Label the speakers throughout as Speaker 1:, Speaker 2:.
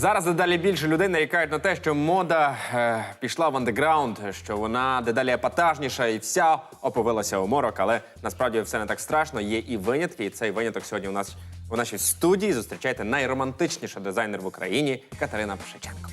Speaker 1: Зараз дедалі більше людей нарікають на те, що мода пішла в андеграунд, що вона дедалі епатажніша і вся оповилася у морок. Але насправді все не так страшно, є і винятки. І цей виняток сьогодні у нас у нашій студії. Зустрічайте найромантичніша дизайнер в Україні Катерина Пшиченко.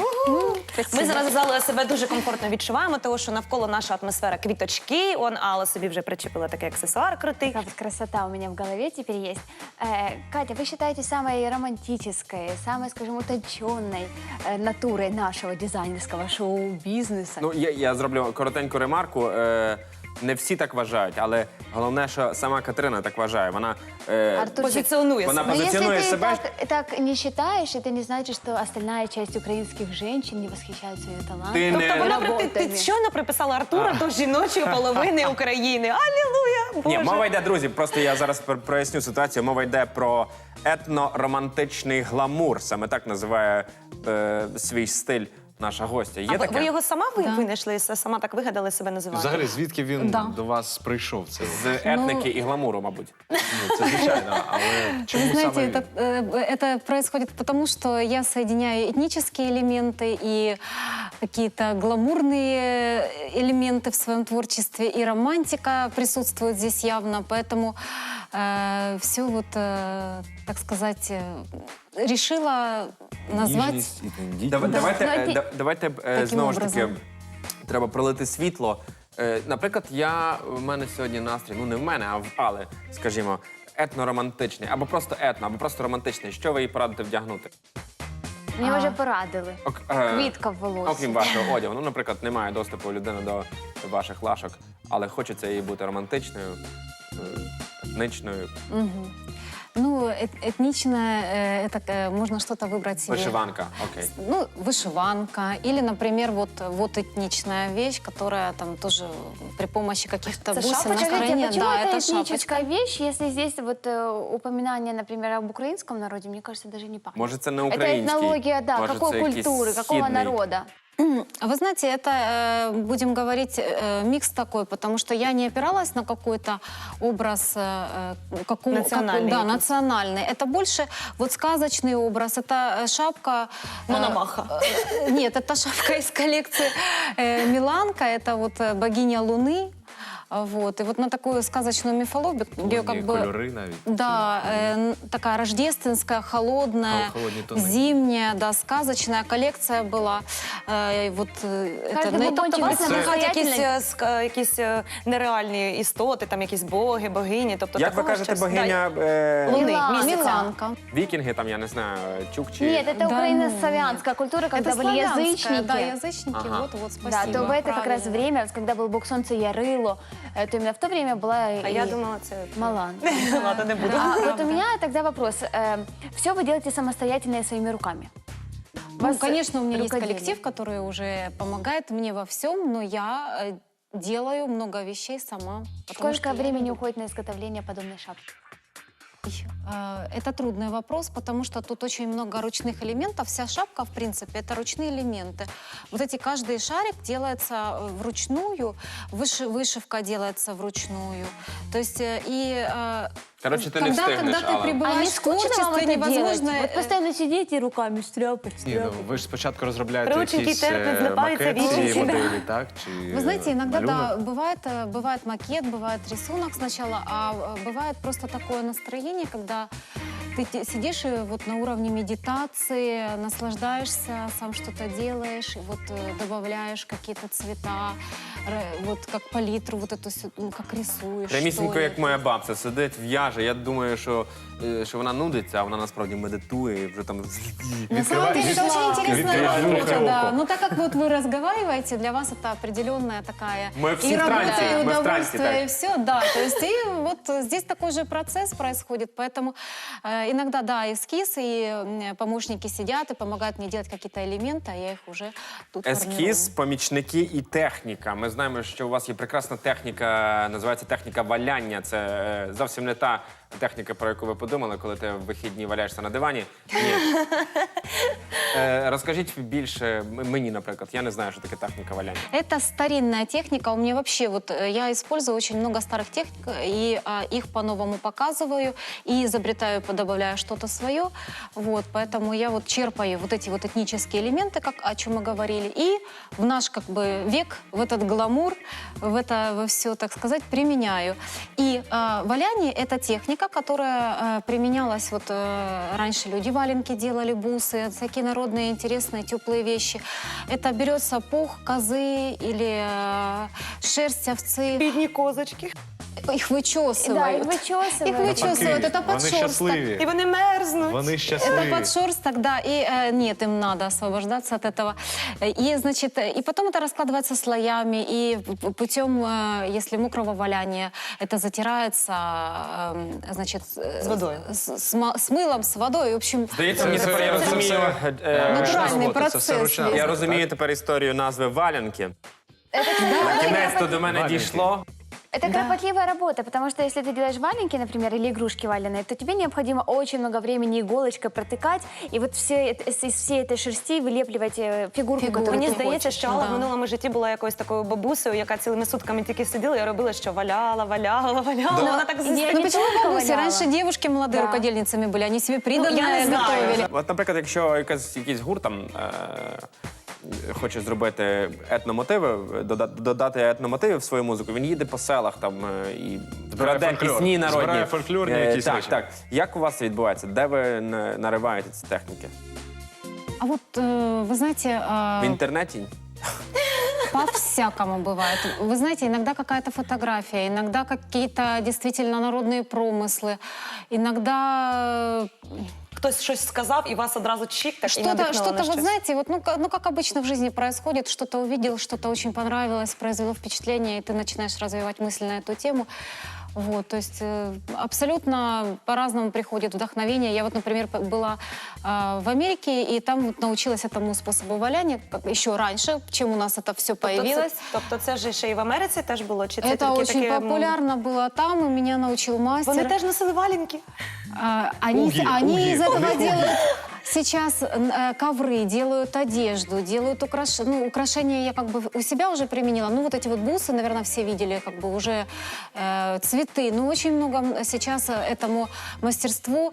Speaker 2: Ми зараз зали себе дуже комфортно відчуваємо, тому що навколо наша атмосфера квіточки. Алла собі вже причепила такий аксесуар крутий.
Speaker 3: Такая вот красота у меня в голове теперь есть. Катя, вы считаете самой романтической, самой, скажем, утонченной натурой нашего дизайнерского шоу-бизнеса?
Speaker 1: Ну, я зроблю коротеньку ремарку. Не всі так вважають, але головне, що сама Катерина так вважає. Вона
Speaker 2: Позиціонує
Speaker 1: вона
Speaker 2: себе.
Speaker 3: Но
Speaker 1: позиціонує
Speaker 3: если
Speaker 1: себе.
Speaker 3: ты так не считаешь, это не значит, что остальная часть украинских женщин не восхищается ее талантом.
Speaker 1: Ти не-
Speaker 2: Тобто вона ти
Speaker 3: работами.
Speaker 2: щойно приписала Артура до жіночої половини України. Алілуя! Боже!
Speaker 1: Ні, мова йде, друзі, просто я зараз проясню ситуацію. Мова йде про етно-романтичний гламур. Саме так називає свій стиль наша гостя. Є
Speaker 2: А
Speaker 1: таке?
Speaker 2: ви його сама винайшли, сама так вигадали себе називати?
Speaker 4: Взагалі, звідки він
Speaker 5: Да.
Speaker 4: до вас прийшов? Це,
Speaker 1: З етники і гламуру, мабуть.
Speaker 4: це звичайно, але чому
Speaker 5: Вы знаете,
Speaker 4: саме...
Speaker 5: это происходит потому, что я соединяю этнические элементы и какие-то гламурные элементы в своем творчестве, и романтика присутствует здесь явно, поэтому все вот, так сказать, решила назвать...
Speaker 4: Ніжність і тендітність.
Speaker 1: Давайте знову ж таки треба пролити світло. Наприклад, в мене сьогодні настрій, ну не в мене, а в Алли, скажімо, етно-романтичний, або просто етно, або просто романтичний. Що ви їй порадите вдягнути?
Speaker 3: Мне уже порадили. Квітка в волосі.
Speaker 1: Окрім вашого одягу. Ну, наприклад, немає доступу людини до ваших лашок, але хочеться їй бути романтичною, етничною.
Speaker 5: Ну, этничное, это можно что-то выбрать себе.
Speaker 1: Вишиванка, окей.
Speaker 5: Ну, вышиванка. Или, например, вот этничная вещь, которая там тоже при помощи каких-то
Speaker 2: Это
Speaker 5: бусин
Speaker 2: шапочка?
Speaker 3: Скажите,
Speaker 5: настроения.
Speaker 3: почему
Speaker 5: Да,
Speaker 3: это
Speaker 5: это шапочка.
Speaker 3: этническая вещь, если здесь вот упоминание, например, об украинском народе, мне кажется, даже не пахнет?
Speaker 1: Може, це не
Speaker 3: Это
Speaker 1: український.
Speaker 3: этнология, да,
Speaker 1: Може,
Speaker 3: какой
Speaker 1: це якийсь
Speaker 3: культуры, какого
Speaker 1: східний.
Speaker 3: народа?
Speaker 5: Вы знаете, это, будем говорить, микс такой, потому что я не опиралась на какой-то образ
Speaker 2: Национальный
Speaker 5: да,
Speaker 2: какой-то.
Speaker 5: национальный. Это больше вот сказочный образ. Это шапка...
Speaker 2: Мономаха.
Speaker 5: Нет, это шапка из коллекции Миланка. Это вот богиня Луны. Вот. И вот на такую сказочную мифологию, как бы...
Speaker 4: Кольори навіть.
Speaker 5: Да, такая рождественская, холодная,
Speaker 4: Холодные тоны.
Speaker 5: зимняя, да, сказочная коллекция была. Вот,
Speaker 3: Каждый
Speaker 5: ну, і
Speaker 3: бубончик
Speaker 5: власне,
Speaker 3: це-
Speaker 5: виходять
Speaker 2: якісь нереальні істоти, там якісь боги, богині. Тобто
Speaker 1: Як ви
Speaker 2: такого
Speaker 1: кажете,
Speaker 2: щось-
Speaker 1: богиня
Speaker 2: Луни,
Speaker 3: Мілан.
Speaker 2: місяця.
Speaker 5: Миланка.
Speaker 1: вікінги, там, я не знаю, чукчі?
Speaker 3: Нет, это
Speaker 5: Да,
Speaker 3: украино-славянская культура, когда
Speaker 5: Это
Speaker 3: были
Speaker 5: славянская,
Speaker 3: язычники.
Speaker 5: да, язычники,
Speaker 1: Ага.
Speaker 5: вот,
Speaker 3: Да,
Speaker 5: спасибо.
Speaker 3: то это как раз
Speaker 5: правильно.
Speaker 3: время, вот когда был бог солнца Ярыло, то именно в то время была
Speaker 2: А
Speaker 3: и
Speaker 2: я думала, це...
Speaker 3: Малан.
Speaker 2: Ладно, не буду.
Speaker 3: А вот у меня тогда вопрос. Все вы делаете самостоятельно и своими руками?
Speaker 5: Ну,
Speaker 3: Вас
Speaker 5: конечно, у меня есть
Speaker 3: рукоделие.
Speaker 5: коллектив, который уже помогает мне во всем, но я делаю много вещей сама. потому что
Speaker 3: Сколько
Speaker 5: я
Speaker 3: времени
Speaker 5: люблю.
Speaker 3: уходит на изготовление подобной шапки?
Speaker 5: Это трудный вопрос, потому что тут очень много ручных элементов. Вся шапка, в принципе, это ручные элементы. Вот эти каждый шарик делается вручную, вышивка делается вручную. То есть
Speaker 1: Коротше, ти не
Speaker 5: когда
Speaker 1: встигнеш,
Speaker 5: ты
Speaker 1: Алла.
Speaker 3: А не
Speaker 5: пребываешь в
Speaker 3: скучно вам
Speaker 5: творчестве,
Speaker 3: это
Speaker 5: невозможно...
Speaker 3: делать? Вот постоянно сидите и руками штряпать,
Speaker 4: Ні, ну,
Speaker 3: штряпать.
Speaker 4: ви ж спочатку розробляєте
Speaker 2: Рученьки
Speaker 4: якісь
Speaker 2: терпнуть, злипаються
Speaker 4: макет цієї
Speaker 2: віченьки, да.
Speaker 4: моделі, так? Чи
Speaker 5: Вы знаете, иногда,
Speaker 4: малюнок?
Speaker 5: да, бывает макет, бывает рисунок сначала, а бывает просто такое настроение, когда ты сидишь и вот на уровне медитации наслаждаешься, сам что-то делаешь, и вот добавляешь какие-то цвета, вот как палитру, вот эту, ну, как рисуешь.
Speaker 1: Прямісінько,
Speaker 5: что ли.
Speaker 1: як моя бабця, сидить, в'яже. Я думаю, що вона нудиться, а вона насправді медитує і вже там...
Speaker 5: На самом деле это очень интересная
Speaker 1: Відкриваєш
Speaker 5: работа, да.
Speaker 1: руку.
Speaker 5: Ну так как вот вы разговариваете, для вас это определенная такая
Speaker 1: Мы все
Speaker 5: и
Speaker 1: в
Speaker 5: работа,
Speaker 1: трансе,
Speaker 5: и
Speaker 1: мы в трансе,
Speaker 5: удовольствие,
Speaker 1: так.
Speaker 5: и все, да. То есть и вот здесь такой же процесс происходит, поэтому иногда, да, эскиз, и помощники сидят и помогают мне делать какие-то элементы, а я их уже тут
Speaker 1: Ескіз, помічники і техніка. Ми знаємо, що у вас є прекрасна техніка, називається техніка валяння. Це зовсім не та техніка, про яку ви подумали, коли ти в вихідні валяєшся на дивані. Ні. Розкажіть більше мені, наприклад. Я не знаю, що таке техніка валяння.
Speaker 5: Это старинная техника. У меня вообще я использую очень много старых техник и их по-новому показываю и изобретаю, добавляю что-то свое. Вот, поэтому я черпаю эти этнические элементы, о чем мы говорили, и в наш век, в этот гламур, во все, так сказать, применяю. И валяние — это техника, которая применялась раньше. Люди валенки делали, бусы, всякие народные интересные теплые вещи. Это берется пух козы или шерсть овцы.
Speaker 2: Бідні козочки.
Speaker 5: Их вычесывают.
Speaker 3: Да, их вычесывают.
Speaker 5: Их вычесывают. Это
Speaker 4: Вони
Speaker 5: подшерсток.
Speaker 4: щасливі.
Speaker 2: І вони мерзнуть.
Speaker 4: Вони
Speaker 5: Это
Speaker 4: щасливі.
Speaker 5: подшерсток, да, и нет, им надо освобождаться от этого. И, значит, и потом это раскладывается слоями, и путем, если мокрого валяния, это затирается, значит,
Speaker 2: З водою.
Speaker 5: с мылом, с водой, в общем.
Speaker 1: Здається, мені тепер я
Speaker 4: Це
Speaker 1: розумію.
Speaker 4: все
Speaker 5: Натуральний
Speaker 4: робота, це все
Speaker 5: процес
Speaker 4: ручна
Speaker 5: є.
Speaker 1: Я
Speaker 4: робота,
Speaker 1: розумію
Speaker 4: так?
Speaker 1: тепер історію назви валянки.
Speaker 3: Это
Speaker 1: Кінець-то до мене
Speaker 4: Валенки.
Speaker 1: дійшло.
Speaker 3: Это кропотливая работа, потому что если ты делаешь валенки, например, или игрушки валеные, то тебе необходимо очень много времени иголочкой протыкать и из всей этой шерсти вылепливать фигурку,
Speaker 5: Фигурку.
Speaker 3: которую
Speaker 2: Мені
Speaker 3: ты
Speaker 2: здається,
Speaker 3: хочешь.
Speaker 2: що Алла в
Speaker 5: Да.
Speaker 2: минулому житті була якоюсь такою бабусею, яка цілими сутками тільки сиділа і робила, що валяла. Вона так
Speaker 3: Я
Speaker 5: Ну
Speaker 3: не
Speaker 5: почему
Speaker 3: только
Speaker 5: бабуси?
Speaker 3: валяла.
Speaker 5: Раньше девушки молодые
Speaker 3: Да.
Speaker 5: рукодельницами были, они себе приданное
Speaker 2: я не знаю.
Speaker 5: готовили.
Speaker 1: От, наприклад, якщо якийсь гурт там хоче зробити етномотиви, додати етномотиви в свою музику, він їде по селах там і
Speaker 4: Збирає
Speaker 1: краде
Speaker 4: фольклор.
Speaker 1: пісні народні.
Speaker 4: Збирає фольклорні якісь
Speaker 1: так,
Speaker 4: речі.
Speaker 1: так. Як у вас це відбувається? Де ви нариваєте ці техніки?
Speaker 5: А вы знаете,
Speaker 1: В інтернеті?
Speaker 5: по-всякому бывает. Вы знаете, иногда какая-то фотография, иногда какие-то действительно народные промыслы, иногда
Speaker 2: Хтось щось сказав, і вас одразу чик, так і
Speaker 5: что-то,
Speaker 2: надихнуло на
Speaker 5: вы
Speaker 2: щось.
Speaker 5: знаете, как обычно в жизни происходит, что-то увидел, что-то очень понравилось, произвело впечатление, и ты начинаешь развивать мысль на эту тему. Вот, то есть абсолютно по-разному приходит вдохновение. Я например, была в Америке, и там научилась этому способу валяния еще раньше, чем у нас это все появилось.
Speaker 2: Тобто це ж ще і в Америці теж було? Чи це
Speaker 5: Это
Speaker 2: тільки
Speaker 5: очень
Speaker 2: таке,
Speaker 5: популярно было там, и меня научил мастер.
Speaker 2: Вони теж носили валенки?
Speaker 5: Они из этого делают сейчас ковры, делают одежду, делают украшения. Я у себя уже применила. Ну, вот эти бусы, наверное, все видели, уже цветы. Ну, очень много сейчас этому мастерству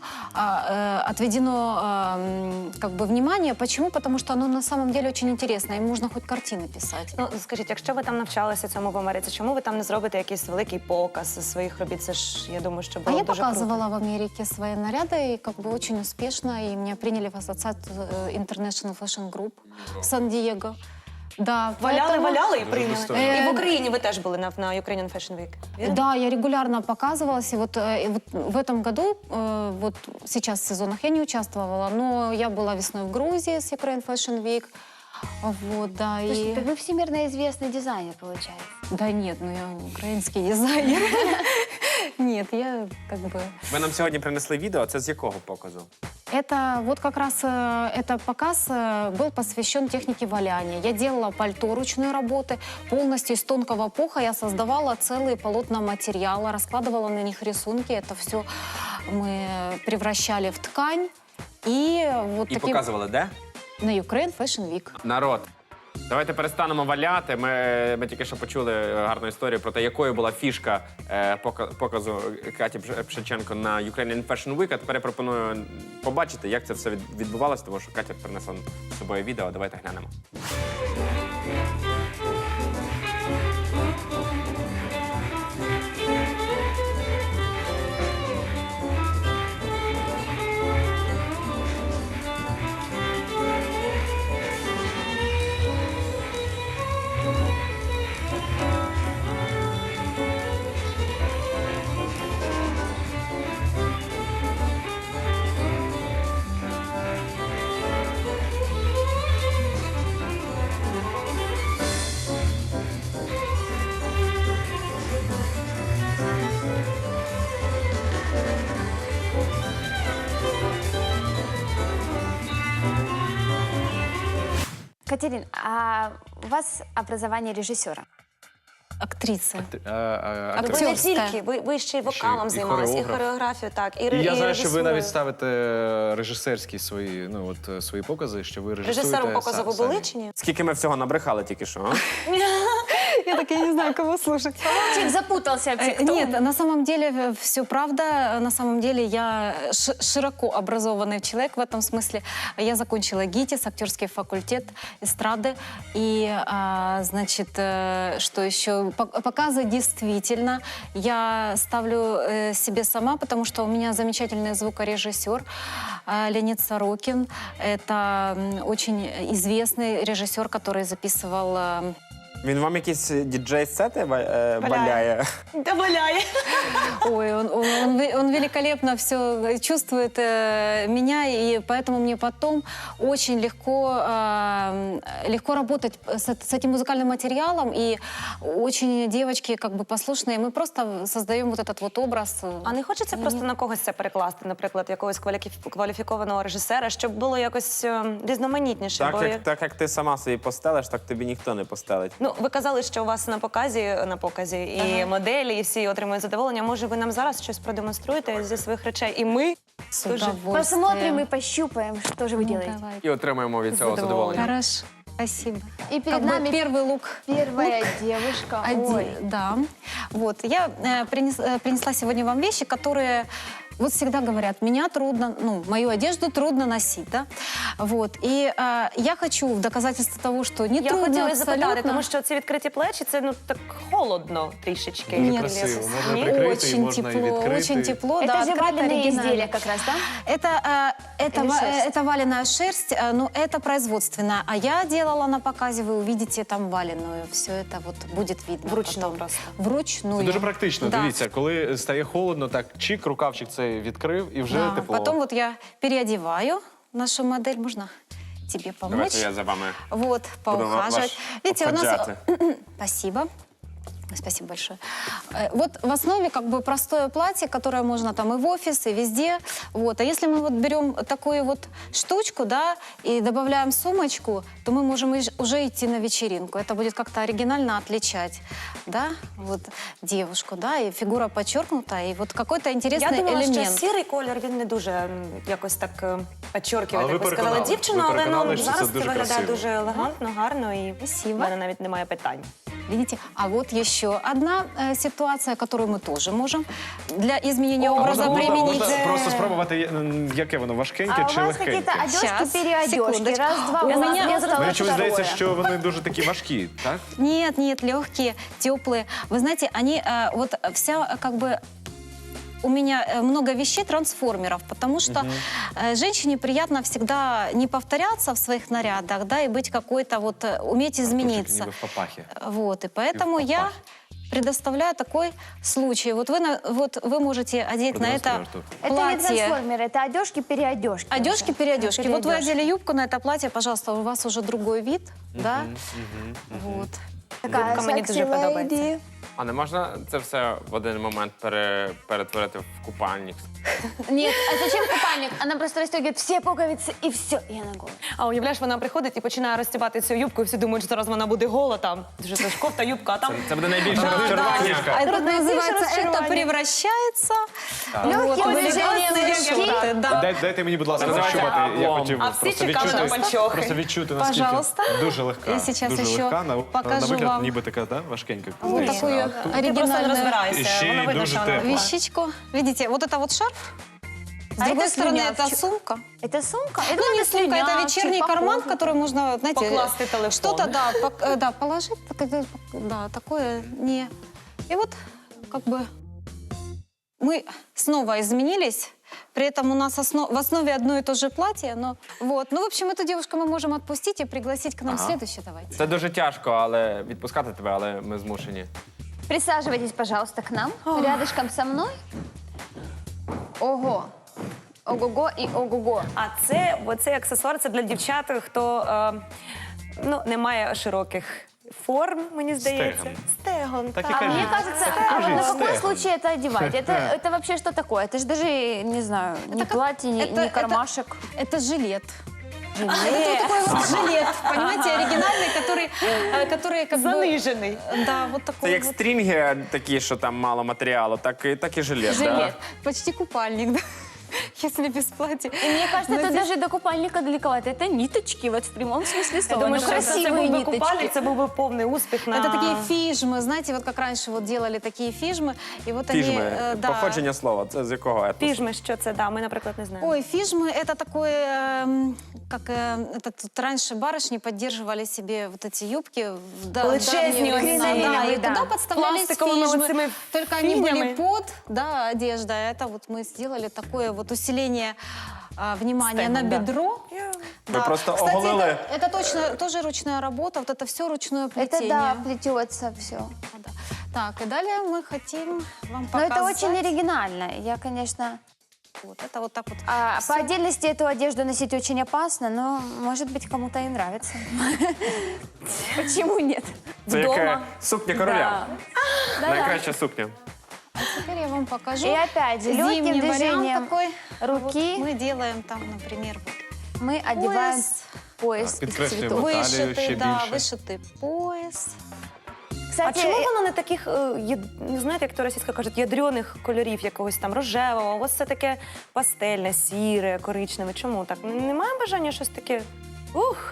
Speaker 5: отведено внимание. Почему? Потому что оно на самом деле очень интересно. Им можно хоть картины писать.
Speaker 2: Ну, скажіть, якщо ви там навчалися цьому в Америці, чому ви там не зробите якийсь великий показ своїх робіт? Це ж, я думаю, що
Speaker 5: А
Speaker 2: було
Speaker 5: я
Speaker 2: дуже
Speaker 5: показывала в Америке свои наряды, и очень успешно, и меня приняли в ассоциацию International Fashion Group в Сан-Диего. Да,
Speaker 2: Валяли і прийняли.
Speaker 4: достойно.
Speaker 2: І в Україні ви теж були на Ukrainian Fashion Week, вірно?
Speaker 5: Да, я регулярно показывалась, и вот в этом году, сейчас в сезонах я не участвовала, но я была весной в Грузии с Ukraine Fashion Week. Вот, да,
Speaker 3: Слушайте,
Speaker 5: и...
Speaker 3: так вы всемирно известный дизайнер, получается.
Speaker 5: Да нет, я украинский дизайнер. Нет, я
Speaker 1: Ви нам сьогодні принесли відео, це з якого показу?
Speaker 5: Это как раз этот показ был посвящен технике валяния. Я делала пальто ручной работы, полностью из тонкого пуха. Я создавала целые полотна материала, раскладывала на них рисунки. Это все мы превращали в ткань. И вот
Speaker 1: І
Speaker 5: таким...
Speaker 1: показували, де?
Speaker 5: На Ukraine Fashion Week.
Speaker 1: Народ. Давайте перестанемо валяти. Ми тільки що почули гарну історію про те, якою була фішка показу Каті Пшиченко на Ukrainian Fashion Week. А тепер я пропоную побачити, як це все відбувалося, тому що Катя принесла з собою відео. Давайте глянемо.
Speaker 3: Катерин, а у вас образование режиссера?
Speaker 5: актриса.
Speaker 2: Ви
Speaker 4: Актриса.
Speaker 2: не
Speaker 5: Акторська.
Speaker 2: тільки, ви ще й вокалом
Speaker 4: і
Speaker 2: займалися, і
Speaker 4: хореограф.
Speaker 2: хореографію, так, і
Speaker 4: І я знаю, що ви
Speaker 2: режисурою.
Speaker 4: навіть ставите режисерські свої, свої покази, що ви режисуєте
Speaker 2: Режисером показу ви
Speaker 4: самі.
Speaker 2: були чи ні?
Speaker 1: Скільки ми всього набрехали тільки що, а?
Speaker 5: Я так, я не знаю, кого слушать.
Speaker 3: Человек запутался вообще, кто он?
Speaker 5: Нет, на самом деле все правда. На самом деле я широко образованный человек в этом смысле. Я закончила ГИТИС, актерский факультет эстрады. И, значит, что еще? Показы действительно я ставлю себе сама, потому что у меня замечательный звукорежиссер Леонид Сорокин. Это очень известный режиссер, который записывал...
Speaker 1: Він вам якісь діджей-сети валяє?
Speaker 2: Да валяє.
Speaker 5: Ой, он великолепно все чувствует меня, и поэтому мне потом очень легко работать с этим музыкальным материалом, и очень девочки как бы послушные, мы просто создаем вот этот вот образ.
Speaker 2: А не хочеться просто на когось це перекласти, наприклад, якогось кваліфікованого режисера, щоб було якось різноманітніше?
Speaker 1: Так як ти сама собі постелиш, так тобі ніхто не постелить.
Speaker 2: Ну, ви казали, що у вас на показі і моделі, і всі отримують задоволення. Може, ви нам зараз щось продемонструєте зі своїх речей? І ми
Speaker 5: С
Speaker 2: тоже
Speaker 5: удовольствием.
Speaker 3: Посмотрим и пощупаем, что же вы
Speaker 5: Ну,
Speaker 3: делаете.
Speaker 5: давай.
Speaker 1: І отримаємо від цього задоволення.
Speaker 5: Хорошо, спасибо.
Speaker 3: И перед
Speaker 5: Как бы
Speaker 3: нами
Speaker 5: первый лук.
Speaker 3: первая девушка. Ой.
Speaker 5: Да. Вот. Я принесла сегодня вам вещи, которые вот всегда говорят, меня трудно, ну, мою одежду трудно носить, да? Вот. И я хочу в доказательство того, что не
Speaker 2: я
Speaker 5: трудно
Speaker 2: хотіла
Speaker 5: абсолютно.
Speaker 2: запитати, тому що ці відкриті плечі, це ну так холодно трішечки.
Speaker 5: Ні,
Speaker 4: красиво.
Speaker 2: Ні?
Speaker 4: Можна прикрити, і
Speaker 5: Очень
Speaker 4: можна і
Speaker 5: тепло,
Speaker 4: відкрити.
Speaker 5: очень тепло.
Speaker 3: Это
Speaker 5: да,
Speaker 3: же
Speaker 5: открыто,
Speaker 3: валенные
Speaker 5: оригинально.
Speaker 3: изделия как раз, да?
Speaker 5: Это
Speaker 3: Или шерсть?
Speaker 5: это валеная шерсть, но это производственная. А я делала на показе, вы увидите там валеную. Все это вот будет видно.
Speaker 2: Вручную
Speaker 5: потом.
Speaker 2: просто.
Speaker 5: Вручную.
Speaker 4: Це дуже практично.
Speaker 5: Да.
Speaker 4: Дивіться, коли стає холодно, так чик, рукавчик цей відкрив і вже
Speaker 5: Да.
Speaker 4: тепло.
Speaker 5: Потом вот я переодеваю нашу модель. Можно тебе помочь?
Speaker 1: Давайте я за вами.
Speaker 5: Вот, поухаживать.
Speaker 1: вас
Speaker 5: Видите, у нас...
Speaker 1: обходжати.
Speaker 5: Спасибо. Спасибо большое. Вот в основе как бы простое платье, которое можно там и в офис, и везде. Вот. А если мы вот берем такую вот штучку, да, и добавляем сумочку, то мы можем уже идти на вечеринку. Это будет как-то оригинально отличать, да, вот девушку, да, и фигура подчеркнута, и вот какой-то
Speaker 2: Я
Speaker 5: интересный
Speaker 2: думала, що
Speaker 5: элемент.
Speaker 2: сірий колір, він не дуже якось так підчоркує,
Speaker 4: Але
Speaker 2: як
Speaker 4: ви
Speaker 2: ви сказали,
Speaker 4: переконали.
Speaker 2: дівчину,
Speaker 4: Ви
Speaker 2: але
Speaker 4: переконали,
Speaker 2: ну,
Speaker 4: що це
Speaker 2: зараз це
Speaker 4: дуже
Speaker 2: виглядає
Speaker 4: красиво.
Speaker 2: дуже елегантно, гарно, і в
Speaker 5: Спасибо.
Speaker 2: мене навіть немає питань.
Speaker 5: Видите? А вот еще одна ситуация, которую мы тоже можем для изменения образа применить.
Speaker 4: Можна просто спробувати, яке воно, важкеньке
Speaker 3: А у
Speaker 4: чи
Speaker 3: вас
Speaker 4: легкеньке?
Speaker 3: какие-то одежки,
Speaker 5: Щас,
Speaker 3: переодежки.
Speaker 5: секундочку.
Speaker 3: Раз-два,
Speaker 5: У
Speaker 3: у вас
Speaker 5: меня-
Speaker 3: не
Speaker 5: я
Speaker 3: осталось
Speaker 4: Мені чомусь здається,
Speaker 3: второе.
Speaker 4: що вони дуже такі важкі, так?
Speaker 5: Нет, нет, легкие, теплые. Вы знаете, они вот вся как бы у меня много вещей трансформеров, потому что женщине приятно всегда не повторяться в своих нарядах, да, и быть какой-то вот уметь измениться.
Speaker 4: Ніби в папахі.
Speaker 5: Вот, и поэтому я
Speaker 4: папахе.
Speaker 5: предоставляю такой случай. Вот вы можете одеть на это
Speaker 4: Продемонструєш тут.
Speaker 3: Это не
Speaker 5: платье.
Speaker 3: трансформеры, это одежки-переодежки.
Speaker 5: Одежки, переодежки. Вот вы
Speaker 3: Переодежки.
Speaker 5: одели юбку на это платье, пожалуйста, у вас уже другой вид, да? Вот.
Speaker 3: Такая
Speaker 2: Юбка мені
Speaker 3: sexy
Speaker 2: дуже подобається.
Speaker 3: lady.
Speaker 1: А не можна це все в один момент перетворити в купальник?
Speaker 3: Нет, а зачем купальник? Она просто расстегивает все пуговицы и все, и она голая.
Speaker 2: А уявляєш, вона приходить і починає розстібати цю юбку, і всі думають, що зараз вона буде гола там. Дуже це ж кофта, юбка, а там...
Speaker 1: Це буде найбільше
Speaker 5: А
Speaker 1: розчарування.
Speaker 5: это
Speaker 2: Наибольшее
Speaker 5: называется, это
Speaker 2: разочарование.
Speaker 5: превращается
Speaker 3: Легким
Speaker 5: в
Speaker 3: движением
Speaker 5: элегантные
Speaker 3: руки.
Speaker 5: шорты, да.
Speaker 4: Дайте мені, будь ласка,
Speaker 1: Називається
Speaker 4: пощупати. Я
Speaker 1: облом.
Speaker 4: хотів
Speaker 2: А всі
Speaker 4: просто
Speaker 2: чекали на
Speaker 4: відчути,
Speaker 2: панчохи.
Speaker 4: просто відчути, наскільки
Speaker 5: Пожалуйста.
Speaker 4: дуже легка.
Speaker 5: Я сейчас
Speaker 4: дуже
Speaker 5: еще
Speaker 4: легка, на
Speaker 5: покажу
Speaker 4: вигляд
Speaker 5: вам.
Speaker 4: ніби така, да, важкенька.
Speaker 5: Вот
Speaker 4: Здається,
Speaker 5: такую
Speaker 4: а тут-
Speaker 2: Ти просто не
Speaker 5: оригинальную
Speaker 4: І
Speaker 2: розбираєшся,
Speaker 4: ще й
Speaker 2: воно видно,
Speaker 4: дуже
Speaker 2: що вона
Speaker 4: тепло.
Speaker 2: була.
Speaker 5: вещичку. Видите, вот это вот шарф. С
Speaker 3: А
Speaker 5: другой
Speaker 3: это
Speaker 5: стороны, это
Speaker 3: слюнявчик.
Speaker 5: сумка.
Speaker 3: Это сумка? Я
Speaker 5: Ну,
Speaker 3: думала,
Speaker 5: не сумка, это
Speaker 3: слюнявчик,
Speaker 5: вечерний карман, в
Speaker 3: похоже.
Speaker 5: который можно, знаете,
Speaker 2: Покласть телефон.
Speaker 5: что-то, да, да, положить, да, такое не... И вот, как бы, мы снова изменились, при этом у нас в основе одно и то же платье, но вот. Ну, в общем, эту девушку мы можем отпустить и пригласить к нам следующую, давайте.
Speaker 1: Це дуже тяжко, але відпускати тебе, але ми змушені.
Speaker 3: Присаживайтесь, пожалуйста, к нам, рядышком со мной. Ого. Ого-го и ого-го.
Speaker 2: А це, оцей аксесуар, це для дівчат, хто ну, не має широких форм, мені здається.
Speaker 4: Стегон.
Speaker 2: Стегон,
Speaker 4: Так і
Speaker 2: так.
Speaker 3: А мне кажется, а вот на какой
Speaker 4: стегон.
Speaker 3: случай это одевать? Это вообще что такое? Это же даже, не знаю, не
Speaker 5: как-
Speaker 3: платье,
Speaker 5: это-
Speaker 3: не кармашек.
Speaker 5: Это жилет. Это вот такой вот жилет, понимаете, оригинальный, который как бы...
Speaker 2: Занижений.
Speaker 5: Да, вот
Speaker 1: Це
Speaker 5: такой
Speaker 1: як
Speaker 5: вот.
Speaker 1: стрінги такі, що там мало матеріалу, так і жилет.
Speaker 3: Жилет.
Speaker 1: Да?
Speaker 5: Почти купальник, да, если без платья.
Speaker 3: И мне кажется,
Speaker 5: Но
Speaker 3: это
Speaker 5: здесь-
Speaker 3: даже до купальника далековато. Это ниточки, вот в прямом смысле
Speaker 2: Я
Speaker 3: слова.
Speaker 2: думаю,
Speaker 3: Ну,
Speaker 2: що це
Speaker 3: красивые
Speaker 2: був би купальник,
Speaker 3: ниточки.
Speaker 2: це був би повний успіх на...
Speaker 5: Это такие фижмы, знаете, вот как раньше вот делали такие фижмы, и вот они...
Speaker 1: Фіжми.
Speaker 5: да.
Speaker 1: Походження слова. Це з якого етносу?
Speaker 2: Піжми, що це, да, ми, наприклад, не знаємо.
Speaker 5: Ой, фижмы это такое, как это тут раньше барышни поддерживали себе вот эти юбки в
Speaker 2: Величезні
Speaker 5: давние времена,
Speaker 2: оці,
Speaker 5: да, и
Speaker 2: да.
Speaker 5: туда подставлялись
Speaker 2: Пластиковими
Speaker 5: фижмы.
Speaker 2: оцими
Speaker 5: Только они были
Speaker 2: фігнями.
Speaker 5: под, да, одежда. Это вот мы сделали такое вот усиление внимания на
Speaker 2: Стегом, да.
Speaker 5: бедро.
Speaker 1: Вы просто
Speaker 5: Кстати,
Speaker 1: оголили.
Speaker 5: это точно тоже ручная работа, вот это все ручное плетение.
Speaker 3: Это да, плетется все.
Speaker 5: Да. Так, и далее мы хотим вам
Speaker 3: Но
Speaker 5: показать.
Speaker 3: это очень оригинально. Я, конечно...
Speaker 5: Вот это вот так вот.
Speaker 3: По отдельности эту одежду носить очень опасно, но, может быть, кому-то и нравится. Почему нет?
Speaker 1: Це як
Speaker 2: Вдома.
Speaker 1: сукня короля.
Speaker 3: Да-да.
Speaker 1: Найкраща сукня.
Speaker 5: Теперь я вам покажу.
Speaker 3: И опять же, легким
Speaker 5: зимний вариант
Speaker 3: движением
Speaker 5: такой.
Speaker 3: руки
Speaker 5: Мы делаем там, например, вот
Speaker 3: мы одеваем пояс из
Speaker 4: Підкреслюємо
Speaker 3: цветов.
Speaker 4: талію ще
Speaker 5: вышитый, да,
Speaker 4: більше.
Speaker 5: вышитый пояс.
Speaker 2: А
Speaker 3: Кстати,
Speaker 2: чому воно не таких, не знаєте, як то російська кажуть, ядрених кольорів, якогось там рожевого, у вас все таке пастельне, сіре, коричневе. Чому так? Немає бажання щось таке? Ух!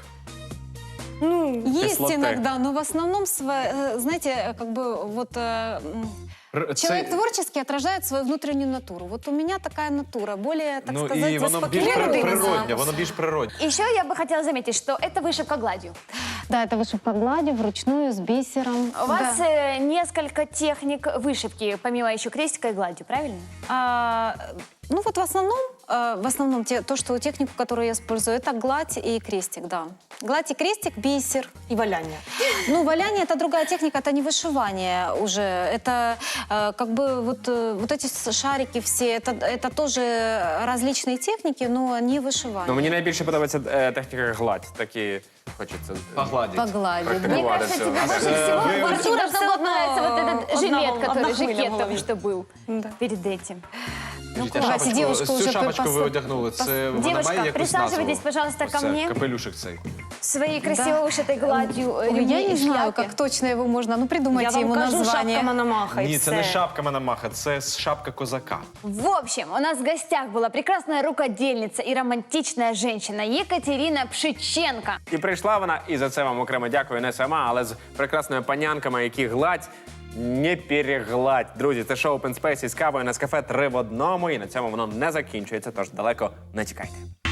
Speaker 2: Ну,
Speaker 5: Есть
Speaker 1: Кислоты.
Speaker 5: иногда, но в основном, знаете, как бы вот человек творческий отражает свою внутреннюю натуру. Вот у меня такая натура, более, так
Speaker 4: Ну
Speaker 5: сказать,
Speaker 4: і воно більш
Speaker 5: успокоенная.
Speaker 4: природне, воно більш природне.
Speaker 3: еще я бы хотела заметить, что это вышивка гладью.
Speaker 5: Да, это вышивка гладью, вручную, с бисером.
Speaker 3: У вас несколько техник вышивки, помимо еще крестика и гладью, правильно?
Speaker 5: Ну вот в основном то, что технику, которую я использую, это гладь и крестик, да. Гладь и крестик, бисер.
Speaker 2: і валяння.
Speaker 5: Ну, валяние — это другая техника, это не вышивание уже. Это как бы вот эти шарики все, это тоже различные техники, но не вышивание.
Speaker 1: Ну, мені найбільше подобається техніка гладь. Такі хочеться
Speaker 4: Погладить.
Speaker 5: Погладить, да.
Speaker 3: Мне
Speaker 1: практикувати
Speaker 3: кажется,
Speaker 1: все.
Speaker 3: тебе больше всего
Speaker 4: вы-
Speaker 3: в Артура
Speaker 2: Всё
Speaker 3: должно
Speaker 2: равно
Speaker 3: нравится вот этот
Speaker 2: одна
Speaker 3: жилет,
Speaker 2: волна,
Speaker 3: который
Speaker 2: одна хвиля в
Speaker 3: жакет
Speaker 2: голові.
Speaker 3: только что был перед этим.
Speaker 4: Скажіть, а
Speaker 5: давайте, девушку
Speaker 4: цю
Speaker 5: вже
Speaker 4: шапочку ви
Speaker 5: пос-
Speaker 4: одягнули, це вона
Speaker 3: Девушка,
Speaker 4: має якусь назву?
Speaker 3: присаживайтесь, пожалуйста, ко
Speaker 4: Ось це,
Speaker 3: мне.
Speaker 4: Капелюшик цей.
Speaker 3: Своей красиво вышитой гладью
Speaker 5: Ой,
Speaker 3: ремни
Speaker 5: я не
Speaker 3: и
Speaker 5: знаю,
Speaker 3: шляпе.
Speaker 5: как точно его можно. Ну,
Speaker 2: Я
Speaker 5: придумайте
Speaker 2: вам
Speaker 5: ему
Speaker 2: кажу,
Speaker 5: название.
Speaker 2: шапка Мономаха і
Speaker 4: Ні,
Speaker 2: все.
Speaker 4: це не шапка Мономаха, це шапка козака.
Speaker 3: В общем, у нас в гостях была прекрасная рукодельница и романтичная женщина Екатерина Пшиченко.
Speaker 1: І прийшла вона, і за це вам окремо дякую, не сама, але з прекрасними панянками, які гладь, не перегладь. Друзі, це шоу Open Space із кавою Нескафе 3 в 1, і на цьому воно не закінчується, тож далеко не тікайте.